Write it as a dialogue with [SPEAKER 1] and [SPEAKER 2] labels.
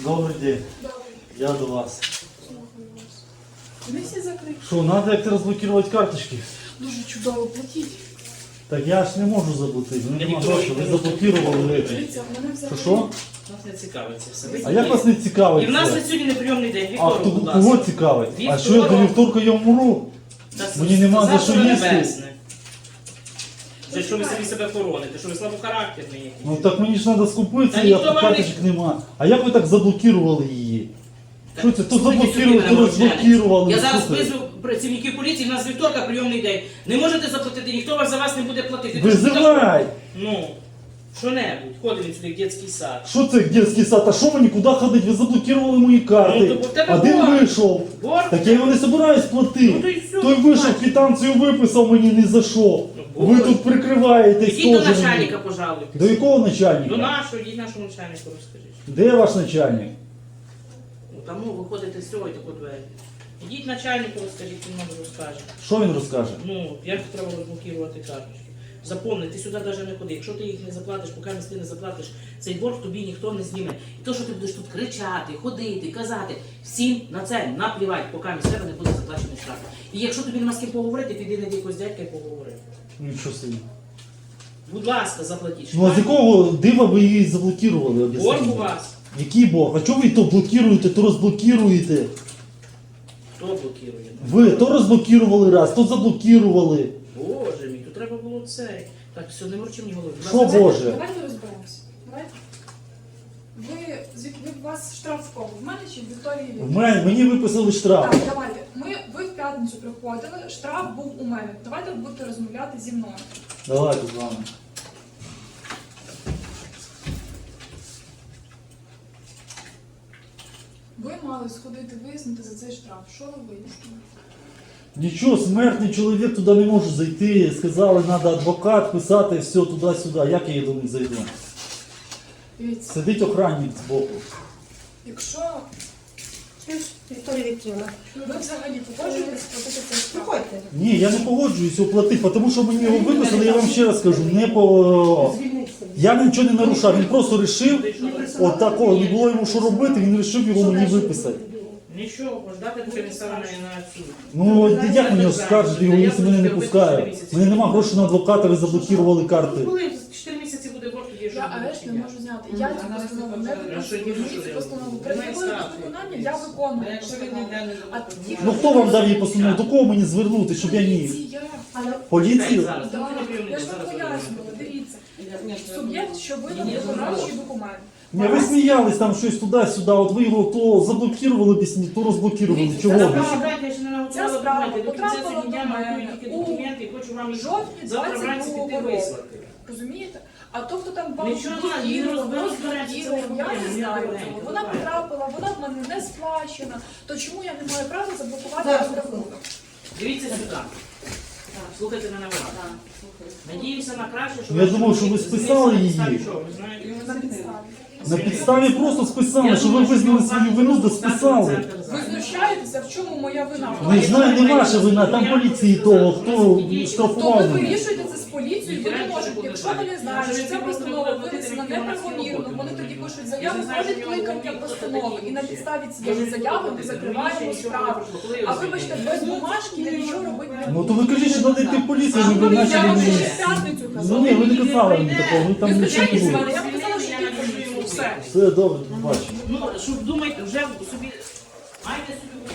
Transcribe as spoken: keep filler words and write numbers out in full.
[SPEAKER 1] Добрий день.
[SPEAKER 2] Добре.
[SPEAKER 1] Я до вас.
[SPEAKER 2] Слухаю вас. Вони всі закриті.
[SPEAKER 1] Що, треба як-то розблокувати карточки?
[SPEAKER 2] Дуже чудово платіть.
[SPEAKER 1] Так я ж не можу заблокувати, в мене
[SPEAKER 3] Я
[SPEAKER 1] нема
[SPEAKER 3] ніколи
[SPEAKER 1] грошей, ви
[SPEAKER 3] не
[SPEAKER 1] заблокували речі.
[SPEAKER 2] Дивіться, в мене
[SPEAKER 1] Що,
[SPEAKER 2] взагалі...
[SPEAKER 1] що?
[SPEAKER 3] Нас не цікавить це все. Ви
[SPEAKER 1] А як вас не цікавить
[SPEAKER 3] І в нас
[SPEAKER 1] це?
[SPEAKER 3] на сьогодні неприйомний день.
[SPEAKER 1] А
[SPEAKER 3] Віктору,
[SPEAKER 1] хто,
[SPEAKER 3] будь
[SPEAKER 1] кого
[SPEAKER 3] ласка.
[SPEAKER 1] цікавить? А
[SPEAKER 3] Вівторок.
[SPEAKER 1] що я до вівторка я вмру?
[SPEAKER 3] Та
[SPEAKER 1] Мені нема за
[SPEAKER 3] завтра
[SPEAKER 1] що їсти.
[SPEAKER 3] небесне. Вже що ви самі себе хороните, що ви слабохарактерний якийсь.
[SPEAKER 1] Ну так мені ж треба скупитися,
[SPEAKER 3] Та
[SPEAKER 1] я
[SPEAKER 3] ніхто вам
[SPEAKER 1] карточок нема. А як ви так заблокували її? Що це? То
[SPEAKER 3] Слухайте сюди
[SPEAKER 1] заблокували,
[SPEAKER 3] мене,
[SPEAKER 1] то
[SPEAKER 3] мовчанець.
[SPEAKER 1] розблокували.
[SPEAKER 3] Я зараз
[SPEAKER 1] Слухайте.
[SPEAKER 3] визву працівників поліції, у нас вівторка прийомний день. Не можете заплатити, ніхто вас за вас не буде платити.
[SPEAKER 1] Визивай!
[SPEAKER 3] Ну, що-небудь, ходимо сюди в дитячий сад.
[SPEAKER 1] Що це дитячий сад? А що мені куди ходити? Ви заблокували мої
[SPEAKER 3] Ну,
[SPEAKER 1] карти.
[SPEAKER 3] то в тебе
[SPEAKER 1] Один
[SPEAKER 3] борг.
[SPEAKER 1] вийшов.
[SPEAKER 3] Борг?
[SPEAKER 1] Так я його не собираюсь платити.
[SPEAKER 3] Ну, то й все,
[SPEAKER 1] Той вийшов,
[SPEAKER 3] плать.
[SPEAKER 1] квитанцію виписав, мені не за що.
[SPEAKER 3] Ну,
[SPEAKER 1] Ви
[SPEAKER 3] борг.
[SPEAKER 1] тут прикриваєтесь
[SPEAKER 3] Ідіть до
[SPEAKER 1] теж мені.
[SPEAKER 3] начальника, пожалуйста.
[SPEAKER 1] До якого начальника?
[SPEAKER 3] До нашого, йдіть нашому начальнику розкажіть.
[SPEAKER 1] Де ваш начальник?
[SPEAKER 3] Ну, тому виходите з цього і таку двері. Ідіть начальнику розкажіть, він вам розкаже.
[SPEAKER 1] Що він розкаже?
[SPEAKER 3] Ну, як треба розблокувати карточки. Запомни, ти сюди навіть не ходи. Якщо ти їх не заплатиш, поки ти не заплатиш, цей борг тобі ніхто не зніме. І то, що ти будеш тут кричати, ходити, казати, всім на це наплівати, поки з тебе не буде заплачений штраф. І якщо тобі нема з ким поговорити, піди на якогось дядька і поговори.
[SPEAKER 1] Нічого собі.
[SPEAKER 3] Будь ласка, заплатіть.
[SPEAKER 1] Ну а з якого дива ви її заблокували? об'ясніть
[SPEAKER 3] Борг у
[SPEAKER 1] мені?
[SPEAKER 3] вас.
[SPEAKER 1] Який борг? А чого ви то блокуєте, то розблокуєте?
[SPEAKER 3] Хто блокує?
[SPEAKER 1] Ви то розблокували раз, то заблокували.
[SPEAKER 3] Боже мій, тут треба було це. Так, все, не морчи мені голову. Будь
[SPEAKER 1] Що
[SPEAKER 3] ласка,
[SPEAKER 1] Боже?
[SPEAKER 2] Давайте розберемося. Давайте. Ви, звідки ви, у вас штраф в кого? В мене чи в Вікторії?
[SPEAKER 1] В мене, мені виписали штраф.
[SPEAKER 2] Так, давайте. Ми, ви в п'ятницю приходили, штраф був у мене. Давайте будете розмовляти зі мною.
[SPEAKER 1] Давайте з вами.
[SPEAKER 2] Ви мали сходити вияснити за цей штраф. Що ви вияснили?
[SPEAKER 1] Нічого, смертний чоловік туди не може зайти. Сказали, треба адвокат писати, все туди-сюди. Як я до них зайду?
[SPEAKER 2] Дивіться,
[SPEAKER 1] Сидить охранник збоку.
[SPEAKER 2] якщо
[SPEAKER 4] Вікторія Вікторівна,
[SPEAKER 2] ви взагалі погоджуєтесь платити цей штраф,
[SPEAKER 4] приходьте.
[SPEAKER 1] Ні, я не погоджуюсь оплатити, тому що мені його виписали, я вам ще раз кажу, не по...
[SPEAKER 4] Звільнитися.
[SPEAKER 1] Я нічого не нарушав, він просто вирішив, от такого, не було йому що робити, він вирішив його мені виписати.
[SPEAKER 3] Нічого, ждати поки не стане на суд.
[SPEAKER 1] Ну, як мені скажете його, якщо мене не пускають? У мене нема грошей на адвоката, ви заблокували карти.
[SPEAKER 3] Коли чотири місяці буде борг, тоді вже
[SPEAKER 2] я
[SPEAKER 3] буде
[SPEAKER 2] арешт не
[SPEAKER 3] чиня.
[SPEAKER 2] можу зняти. Я цю постанову не
[SPEAKER 3] А що
[SPEAKER 2] виконую.
[SPEAKER 3] є, що
[SPEAKER 2] Цю
[SPEAKER 3] я
[SPEAKER 2] постанову
[SPEAKER 3] роблю?
[SPEAKER 2] при
[SPEAKER 3] Немає
[SPEAKER 2] законі
[SPEAKER 3] штрафу.
[SPEAKER 2] виконання я виконую постанову. А ті,
[SPEAKER 1] Ну хто вам дав її постанову? До кого мені звернути, щоб я міг?
[SPEAKER 2] Поліція.
[SPEAKER 1] Поліцію?
[SPEAKER 3] Зараз,
[SPEAKER 2] Да,
[SPEAKER 3] ну, ти не прийомний,
[SPEAKER 2] я ж
[SPEAKER 3] зараз
[SPEAKER 2] вам
[SPEAKER 3] буде.
[SPEAKER 2] пояснювала, дивіться. Суб'єкт, що видав виконавчий документ.
[SPEAKER 1] Ні, ви сміялись там щось туди-сюди, от ви його то заблокували пісні, то розблокували. Чого
[SPEAKER 3] Зараз
[SPEAKER 1] ви?
[SPEAKER 3] почекайте, я ще не наготувала
[SPEAKER 2] Ця справа
[SPEAKER 3] документи. До кінця
[SPEAKER 2] потрапила
[SPEAKER 3] цього дня
[SPEAKER 2] до
[SPEAKER 3] маю
[SPEAKER 2] мене
[SPEAKER 3] тільки
[SPEAKER 2] у
[SPEAKER 3] документи і хочу вам їх
[SPEAKER 2] жовтні
[SPEAKER 3] завтра вранці
[SPEAKER 2] двадцять
[SPEAKER 3] піти
[SPEAKER 2] другого року.
[SPEAKER 3] вислати.
[SPEAKER 2] Розумієте? А то, хто там вам
[SPEAKER 3] Нічого, ні,
[SPEAKER 2] блокував,
[SPEAKER 3] розберемося,
[SPEAKER 2] розблокував,
[SPEAKER 3] це не
[SPEAKER 2] я
[SPEAKER 3] проблема,
[SPEAKER 2] не
[SPEAKER 3] ні,
[SPEAKER 2] знаю
[SPEAKER 3] добренько,
[SPEAKER 2] цього. Вона
[SPEAKER 3] давай.
[SPEAKER 2] потрапила, вона в мене не сплачена. То чому я не маю права заблокувати
[SPEAKER 4] Зараз,
[SPEAKER 2] розрахунок?
[SPEAKER 3] Дивіться сюди. Слухайте мене уважно. Надіємося на краще, що...
[SPEAKER 1] Я
[SPEAKER 3] ваші
[SPEAKER 1] думав, що ви
[SPEAKER 3] документи
[SPEAKER 1] списали
[SPEAKER 3] знесуть на
[SPEAKER 1] її.
[SPEAKER 3] підставі чого, ви знаєте?
[SPEAKER 2] На підставі.
[SPEAKER 1] На підставі просто списали,
[SPEAKER 3] Я
[SPEAKER 1] що ви
[SPEAKER 3] думаю,
[SPEAKER 1] визнали
[SPEAKER 3] що
[SPEAKER 1] свою
[SPEAKER 3] вам
[SPEAKER 1] вину, да
[SPEAKER 3] просто
[SPEAKER 1] списали.
[SPEAKER 3] центр
[SPEAKER 2] Ви
[SPEAKER 3] зараз.
[SPEAKER 2] знущаєтеся, в чому моя вина?
[SPEAKER 1] Не знаю, не ваша вина, там поліції того, хто
[SPEAKER 2] То
[SPEAKER 1] штрафував
[SPEAKER 2] ви
[SPEAKER 1] мене.
[SPEAKER 2] вирішуєте це з поліцією, ви не можете. Якщо вони знають, що ця постанова винесена неправомірно, вони тоді пишуть заяву, входить кликання постанови, і на підставі цієї заяви ми закриваємо справу. А вибачте, без бумажки я нічого робити не
[SPEAKER 1] Ну
[SPEAKER 2] буду.
[SPEAKER 1] то ви кажіть, що треба йти в поліцію, ви б
[SPEAKER 2] Я
[SPEAKER 1] почали
[SPEAKER 2] вам ще
[SPEAKER 1] мені.
[SPEAKER 2] в п'ятницю
[SPEAKER 1] Ну
[SPEAKER 2] казала.
[SPEAKER 1] ні, ви не казали мені такого, ви там
[SPEAKER 2] Ви
[SPEAKER 1] нічого не
[SPEAKER 2] звичайні з
[SPEAKER 1] було.
[SPEAKER 2] мене, я вам казала, що ти в поліцію. Все.
[SPEAKER 1] Все добре, побачимо.
[SPEAKER 3] Ну, щоб думайте, вже собі... Маєте собі...